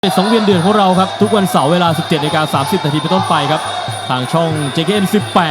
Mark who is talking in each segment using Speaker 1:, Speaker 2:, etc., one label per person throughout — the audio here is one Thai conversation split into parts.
Speaker 1: สังเวียนเดือนของเราครับทุกวันเสาร์เวลา 17:30 นาทีเป็นต้นไปครับทางช่อง JKN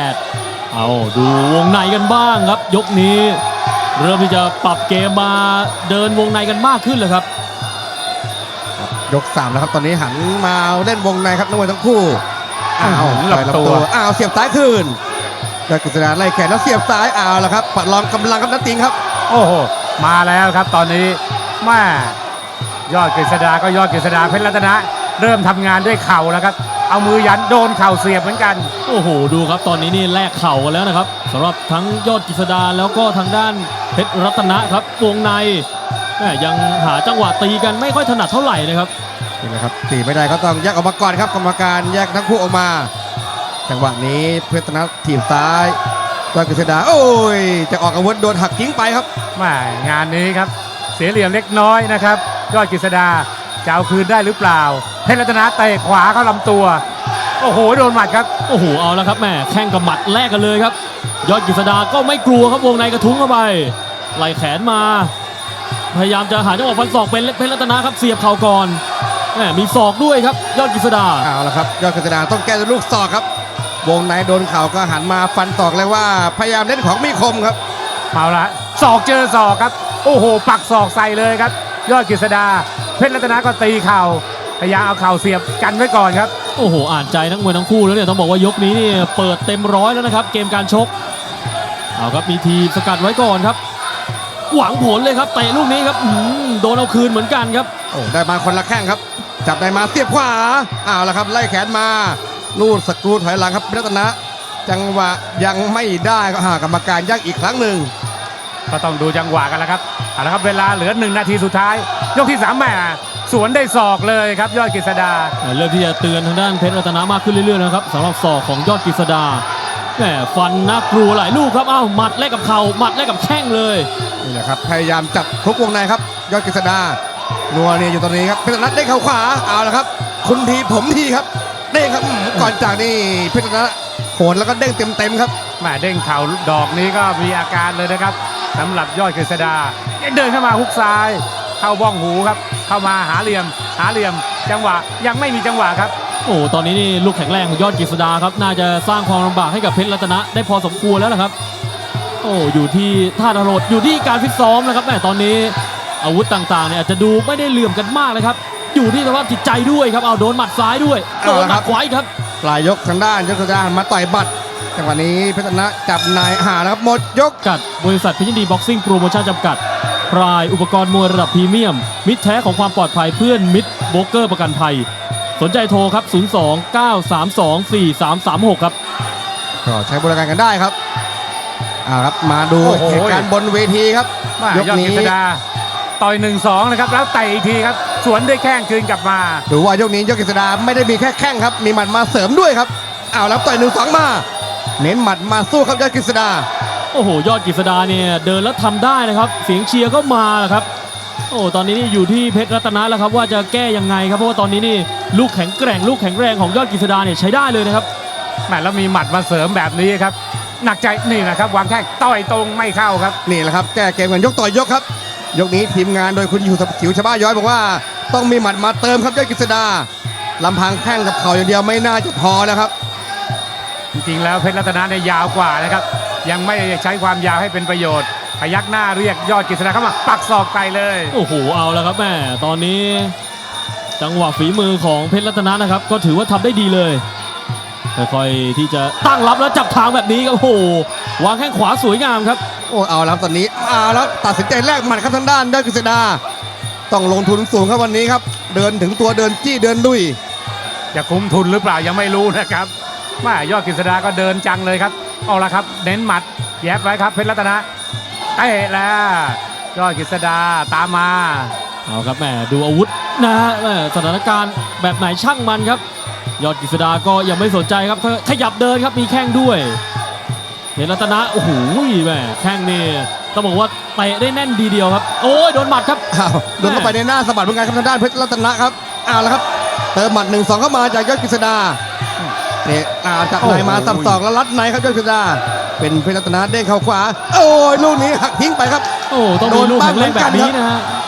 Speaker 1: 18เอาดูวงในกันบ้างครับยกนี้เริ่มที่จะปรับเกมมาเดินวงในกันมากขึ้นเลยครับ
Speaker 2: ยก3แล้วครับตอนนี้หันมาเล่นวงในครับนักมวยทั้งคู่
Speaker 3: หลับตัว
Speaker 2: เสียบซ้ายคืนยอดกฤษณาไล่แขนแล้วเสียบซ้ายแล้วครับปัดรองกำลังครับนัดติงครับ
Speaker 3: โอ้โหมาแล้วครับตอนนี้แม่ยอดกฤษดาก็ยอดกฤษดาเพชรรัตนะเริ่มทำงานด้วยเข่าแล้วครับเอามือยันโดนเข่าเสียบเหมือนกัน
Speaker 1: โอ้โหดูครับตอนนี้นี่แลกเข่ากันแล้วนะครับสำหรับทั้งยอดกฤษดาแล้วก็ทางด้านเพชรรัตนะครับวงในยังหาจังหวะตีกันไม่ค่อยถนัดเท่าไหร่นะครับ
Speaker 2: นี่แหละครับตีไม่ได้ก็ต้องแยกออกมาก่อนครับกรรมการแยกทั้งคู่ออกมาจังหวะนี้เพชรรัตนะถีบซ้ายยอดกฤษดาโอ้ยจะออกอาวุธโดนหักทิ้งไปครับ
Speaker 3: แม่งานนี้ครับเสียเหลี่ยมเล็กน้อยนะครับยอดกฤษดาจะเอาคืนได้หรือเปล่าเพชรรัตนะเตะขวาเข้าลำตัวโอ้โหโดนหมัดครับ
Speaker 1: โอ้โหเอาแล้วครับแม่แข้งกับหมัดแลกกันเลยครับยอดกฤษดาก็ไม่กลัวครับวงในกระทุ้งเข้าไปไหล่แขนมาพยายามจะหาจังหวะฟันศอกเป็นเพชรรัตนะครับเสียบเข่าก่อนมีศอกด้วยครับยอดกฤษดา
Speaker 2: เอาละครับยอดกฤษดาต้องแก้ด้วยลูกศอกครับวงในโดนเข่าก็หันมาฟันศอกเลยว่าพยายามเล่นของมีคมครับ
Speaker 3: เอาละศอกเจอศอกครับโอ้โหปักศอกใส่เลยครับยอดกฤษดาเพชรรัตนะก็ตีเข่าพยายามเอาเข่าเสียบกันไว้ก่อนครับ
Speaker 1: โอ้โหอ่านใจนักมวยทั้งคู่แล้วเนี่ยต้องบอกว่ายกนี้นี่เปิดเต็มร้อยแล้วนะครับเกมการชกเอาครับมีทีสกัดไว้ก่อนครับหวังผลเลยครับเตะลูกนี้ครับโดนเอาคืนเหมือนกันครับ
Speaker 2: โอ้ได้มาคนละแข้งครับจับได้มาเสียบขวาละครับไล่แขนมาลูดสกรูถอยหลังครับรัตนะจังหวะยังไม่ได้ก็กรรมการยักอีกครั้งหนึ่ง
Speaker 3: ก็ต้องดูจังหวะกันแล้วครับเอาละครับเวลาเหลือ1 นาทีสุดท้ายยกที่3แม่สวนได้ศอกเลยครับยอดกฤษดา
Speaker 1: เริ่มที่จะเตือนทางด้านเพชรรัตนะมากขึ้นเรื่อยๆนะครับสำหรับศอกของยอดกฤษดาฟันน่ากลัวหลายลูกครับหมัดแลกกับเข่าหมัดแลกกับแข้งเลย
Speaker 2: นี่แหละครับพยายามจับทุกวงในครับยอดกฤษดานัวเนี่ยอยู่ตรงนี้ครับเพชรรัตนะได้เข่าขวาละครับคุณทีผมทีครับเด้งครับก่อนจากนี่เพชรรัตนะโหนแล้วก็เด้งเต็มครับ
Speaker 3: แม่เด้งเข่าดอกนี้ก็มีอาการเลยนะครับสำหรับยอดกฤษดาเดินเข้ามาฮุกซ้ายเข้าบ้องหูครับเข้ามาหาเหลี่ยมจังหวะยังไม่มีจังหวะครับ
Speaker 1: โอ้ตอนนี้นี่ลูกแข็งแรงของยอดกฤษดาครับน่าจะสร้างความลำบากให้กับเพชรรัตนะได้พอสมควรแล้วนะครับโอ้อยู่ที่ท่าทรดอยู่ที่การฟิตซ้อมนะครับตอนนี้อาวุธต่างๆเนี่ยอาจจะดูไม่ได้เหลื่อมกันมากเลยครับอยู่ที่สภาพจิตใจด้วยครับโดนหมัดซ้ายด้วยโดนหมัดขวาอีกครับ
Speaker 2: ปลายยกทางด้านยอดกฤษดามาต่อยบัตรจังหวะนี้เพชรรัตนะจับนายแล้วครับหมดยก
Speaker 1: กัดบริษัทเพชรยินดีบ็อกซิ่งโปรโมชั่นจำกัดพรายอุปกรณ์มวยระดับพรีเมียมมิตรแท้ของความปลอดภัยเพื่อนมิตรโบรกเกอร์ประกันภัยสนใจโทรครับ02-932-4336ครับ
Speaker 2: ก็ใช้บริการกันได้ครับครับมาดูเหตุการณ์บนเวทีครับ
Speaker 3: ยกนี้ยอดกฤษดาต่อย 1-2 นะครับแล้วเตะอีกทีครับสวนด้วยแข้งคืนกลับมา
Speaker 2: ดูว่ายกนี้ยอดกฤษดาไม่ได้มีแค่แข้งครับมีหมัดมาเสริมด้วยครับแล้วต่อย 1-2 มาเน้นหมัดมาสู้ครับยอดกฤษดา
Speaker 1: โอ้โหยอดกฤษดาเนี่ยเดินแล้วทำได้นะครับเสียงเชียร์ก็มาครับโอ้ตอนนี้นี่อยู่ที่เพชรรัตนะแล้วครับว่าจะแก้ยังไงครับเพราะว่าตอนนี้นี่ลูกแข็งแกร่งลูกแข็งแรงของยอดกฤษดาเนี่ยใช้ได้เลยนะครับ
Speaker 3: แล้วมีหมัดมาเสริมแบบนี้ครับหนักใจนี่นะครับวางแข้งต่อยตรงไม่เข้าครับ
Speaker 2: นี่แหละครับแก้เกมกันยกต่อยยกครับยกนี้ทีมงานโดยคุณอยู่สิวชบ้าย้อยบอกว่าต้องมีหมัดมาเติมครับยอดกฤษดาลำพังแข้งกับเข่าอย่างเดียวไม่น่าจะพอนะครับ
Speaker 3: จริงๆแล้วเพชรรัตนะเนี่ยยาวกว่านะครับยังไม่ใช้ความยาวให้เป็นประโยชน์พยักหน้าเรียกยอดกฤษดาเข้ามาปักศอกไปเลย
Speaker 1: โอ้โหเอาแล้วครับแม่ตอนนี้จังหวะฝีมือของเพชรรัตนะนะครับก็ถือว่าทำได้ดีเลยค่อยๆที่จะตั้งรับแล้วจับทางแบบนี้ครับโอ้โหวางแข้งขวาสวยงามครับ
Speaker 2: โอ้เอาแล้วตอนนี้แล้วตัดสินใจแลกหมัดครับทางด้านยอดกฤษดาต้องลงทุนสูงครับวันนี้ครับเดินถึงตัวเดินจี้เดินดุย
Speaker 3: จะคุ้มทุนหรือเปล่ายังไม่รู้นะครับยอดกฤษดาก็เดินจังเลยครับเอาละครับเน้นหมัดแยบไว้ครับเพชรรัตนะเตะแล้วยอดกฤษดาตามมา
Speaker 1: เอาครับแม่ดูอาวุธนะฮะสถานการณ์แบบไหนช่างมันครับยอดกฤษดาก็ยังไม่สนใจครับขยับเดินครับมีแข้งด้วยเพชรรัตนะโอ้โหแม่แข้งนี่ต้องบอกว่าเตะได้แน่นดีเดียวครับโอ้ยโดนหมัดครับ
Speaker 2: โดนเข้าไปในหน้าสะบัดเหมือนกันครับทางด้านเพชรรัตนะครับแล้วครับเติมหมัด 1-2 เข้ามาจากยอดกฤษดาเนี่ยจับในมาสับศอกแล้วรัดในครับยอดกฤษดาเป็นเพชรรัตนะเด้งเข่าขวาโอ้ยลูกนี้หักทิ้งไปครับ
Speaker 1: โอ้ต้องโดนลูกแข็งแรงแบบนี้นะฮะ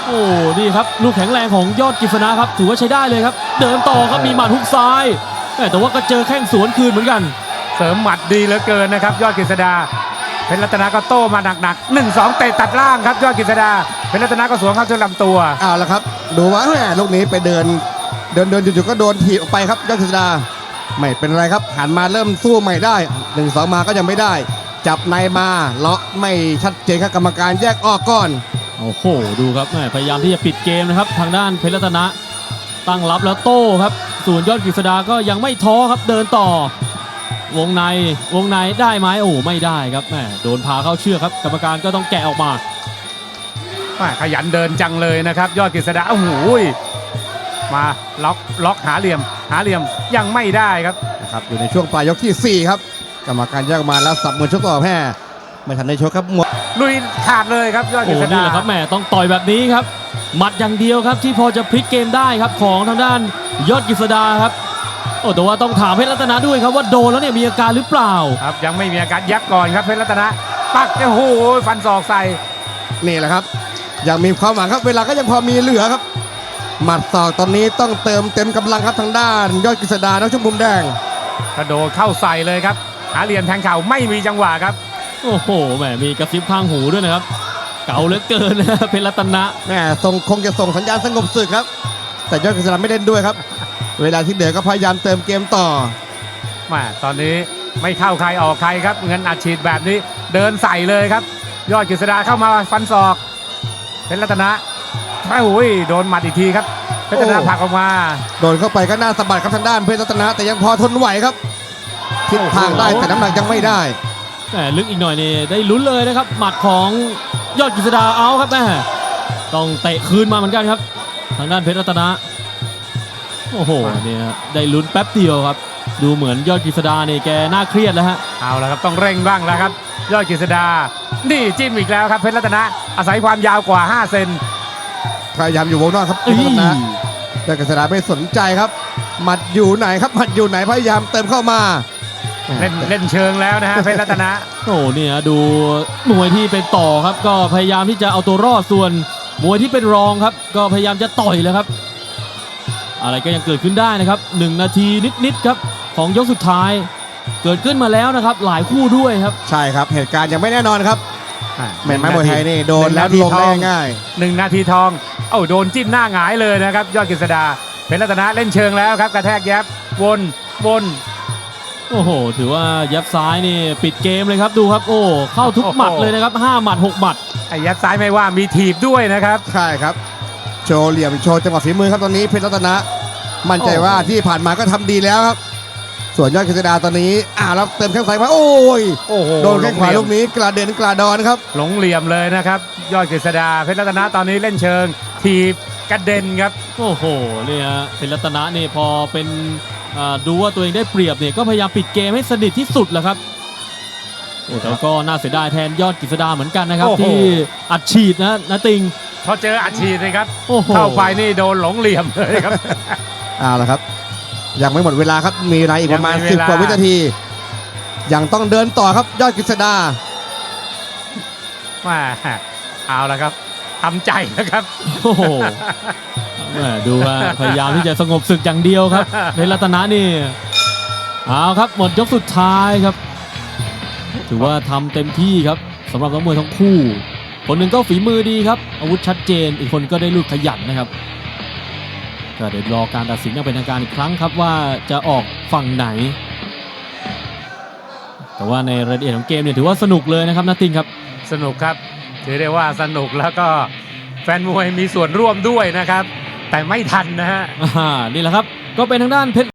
Speaker 1: โอ้นี่ครับลูกแข็งแรงของยอดกฤษณะครับถือว่าใช้ได้เลยครับเดินต่อครับมีหมัดฮุกซ้ายแต่ว่าก็เจอแข้งสวนคืนเหมือนกัน
Speaker 3: เสริมหมัดดีเหลือเกินนะครับยอดกฤษดาเพชรรัตนาก็โต้มาหนักๆ 1-2 เตะตัดล่างครับยอดกฤษดาเพชรรัตนาก็สวนเข้าจนลำตัว
Speaker 2: เอาละครับดูว่าแหมลูกนี้ไปเดินจู่ๆก็โดนถีบออกไปครับยอดกฤษดาไม่เป็นไรครับหันมาเริ่มสู้ใหม่ได้ 1-2 มาก็ยังไม่ได้ จับในมาเลาะไม่ชัดเจนครับกรรมการแยกออกก่อน
Speaker 1: โอ้โหดูครับแม่พยายามที่จะปิดเกมนะครับทางด้านเพชรรัตนะตั้งรับแล้วโต้ครับส่วนยอดกฤษดาก็ยังไม่ท้อครับเดินต่อวงในได้ไหมโอ้ไม่ได้ครับแม่โดนพาเข้าเชือกครับกรรมการก็ต้องแกะออกมา
Speaker 3: ขยันเดินจังเลยนะครับยอดกฤษดาโอ้โหมาล็อกหาเหลี่ยมยังไม่ได้ครับ
Speaker 2: นะครับอยู่ในช่วงปลายยกที่ 4 ครับกรรมการแยกออกมาแล้วสับมือชกต่อแพ้ไม่ทันได้ชกครับหมด
Speaker 3: ลุยขาดเลยครับยอดก
Speaker 1: โอ้
Speaker 3: ฤษ
Speaker 1: นี่
Speaker 3: ดา
Speaker 1: แหละครับแม่ต้องต่อยแบบนี้ครับหมัดอย่างเดียวครับที่พอจะพลิกเกมได้ครับของทางด้านยอดกฤษดาครับโอ้แต่ว่าต้องถามเพชรรัตนะด้วยครับว่าโดนแล้วเนี่ยมีอาการหรือเปล่า
Speaker 3: ครับยังไม่มีอาการยับก่อนครับเพชรรัตนะปักโอ้โหฟันศอกใส่
Speaker 2: นี่แหละครับยังมีความหวังครับเวลาก็ยังพอมีเหลือครับหมัดศอกตอนนี้ต้องเติมเต็มกำลังครับทางด้านยอดกฤษดานักชกมุมแดง
Speaker 3: กระโดดเข้าใส่เลยครับหาเหลี่ยมแทงเข่าไม่มีจังหวะครับ
Speaker 1: โอ้โหแหมมีกระซิบข้างหูด้วยนะครับเก่าเหลือเกินนะเพชรรัตนะ
Speaker 2: แหมคงจะส่งสัญญาณสงบศึกครับ แต่ยอดกฤษดาไม่เล่นด้วยครับ เวลาที่เหลือก็พยายามเติมเกมต่อ
Speaker 3: ตอนนี้ไม่เข้าใครออกใครครับเงินอัดฉีดแบบนี้เดินใส่เลยครับ ยอดกฤษดาเข้ามาฟันศอกเพชรรัตนะโอ้ยโดนหมัดอีกทีครับเพชรรัตนะ
Speaker 2: โอ้
Speaker 3: ผลักออกมา
Speaker 2: โดนเข้าไปก็น่าสะบัดครับทางด้านเพชรรัตนะแต่ยังพอทนไหวครับทิศทางได้แต่น้ำหนักยังไม่ได้
Speaker 1: แหมลึกอีกหน่อยนี่ได้ลุ้นเลยนะครับหมัดของยอดกฤษดาเอาครับแม่ต้องเตะคืนมาเหมือนกันครับทางด้านเพชรรัตนะโอ้โหเนี่ยได้ลุ้นแป๊บเดียวครับดูเหมือนยอดกฤษดาเนี่ยแกน่าเครียดแล้วฮะ
Speaker 3: เอาละครับต้องเร่งบ้างแล้วครับ ยอดกฤษดานี่จิ้มอีกแล้วครับเพชรรัตนะอาศัยความยาวกว่า5เซน
Speaker 2: พยายามอยู่วงนอกครับเพ
Speaker 1: เอ้
Speaker 2: ชร
Speaker 1: ย
Speaker 2: รัตนะแต่กฤษดาไม่สนใจครับหมัดอยู่ไหนครับหมัดอยู่ไหนพยายามเติมเข้ามา
Speaker 3: เล่นเชิงแล้วนะฮะเพชรรัตนะ
Speaker 1: โอ้เนี่ยดูมวยที่เป็นต่อครับก็พยายามที่จะเอาตัวรอดส่วนมวยที่เป็นรองครับก็พยายามจะต่อยแล้วครับ อะไรก็ยังเกิดขึ้นได้นะครับ1 นาทีนิดๆครับของยกสุดท้าย เกิดขึ้นมาแล้วนะครับหลายคู่ด้วยครับ
Speaker 2: ใช่ครับเหตุการณ์ยังไม่แน่นอนครับแม่ไม้มวยไทยนี่โดนแล้ว
Speaker 3: 1
Speaker 2: ลงได้ง่าย
Speaker 3: 1 นาทีทองเอ้าโดนจิ้มหน้าหงายเลยนะครับยอดกฤษดาเพชรรัตนะเล่นเชิงแล้วครับกระแทกแยบวน
Speaker 1: โอ้โหถือว่ายับซ้ายนี่ปิดเกมเลยครับดูครับโอ้เข้าทุกหมัดเลยนะครับ5 หมัด 6 หมัด
Speaker 3: ไอ้ยัดซ้ายไม่ว่ามีถีบด้วยนะครับ
Speaker 2: ใช่ครับโชว์เหลี่ยมโชว์จังหวะฝีมือครับตอนนี้เพชรรัตนะมั่นใจว่าที่ผ่านมาก็ทำดีแล้วครับ ส่วนยอดกฤษดาตอนนี้แล้วเติมแข้งซ้ายมาโอ้ย
Speaker 3: โอ้โห
Speaker 2: โดนแข้งขวาลูกนี้กระเด็นกระดอนครับ
Speaker 3: หลงเหลี่ยมเลยนะครับยอดกฤษดาเพชรรัตนะตอนนี้เล่นเชิงถีบกระเด็นครับ
Speaker 1: โอ้โหเนี่ยเป็นรัตนะนี่พอเป็นดูว่าตัวเองได้เปรียบเนี่ยก็พยายามปิดเกมให้สนิทที่สุดแหละครับโอ้แต่ก็น่าเสียดายแทนยอดกฤษดาเหมือนกันนะครับ
Speaker 3: โอ้โห
Speaker 1: ที่อัดฉีดนะติง
Speaker 3: พอเจออัดฉีดเลยครับ
Speaker 1: โอ้โห
Speaker 3: เข้าไปนี่โดนหลงเหลี่ยมเลยครับ
Speaker 2: เอาละครับยังไม่หมดเวลาครับมีเวลาอีกประมาณ
Speaker 3: ยังมีเวลา
Speaker 2: 10 กว่าวินาทียังต้องเดินต่อครับยอดกฤษดา
Speaker 3: มาเอาละครับทำใจนะครับ
Speaker 1: โอ้โหแหม่ดูว่าพยายามที่จะสงบศึกอย่างเดียวครับเป็นรัตนะนี่เอาครับหมดยกสุดท้ายครับ ถือว่าทำเต็มที่ครับสำหรับนักมวยทั้งคู่ คนหนึ่งก็ฝีมือดีครับอาวุธชัดเจนอีกคนก็ได้ลูกขยันนะครับก็เดี๋ยวรอการตัดสินอย่างเป็นทางการอีกครั้งครับว่าจะออกฝั่งไหน แต่ว่าในรายละเอียดของเกมเนี่ยถือว่าสนุกเลยนะครับนาติงครับ
Speaker 3: สนุกครับถือได้ว่าสนุกแล้วก็แฟนมวยมีส่วนร่วมด้วยนะครับ แต่ไม่ทันนะฮะ
Speaker 1: นี่แหละครับก็เป็นทางด้านเพชร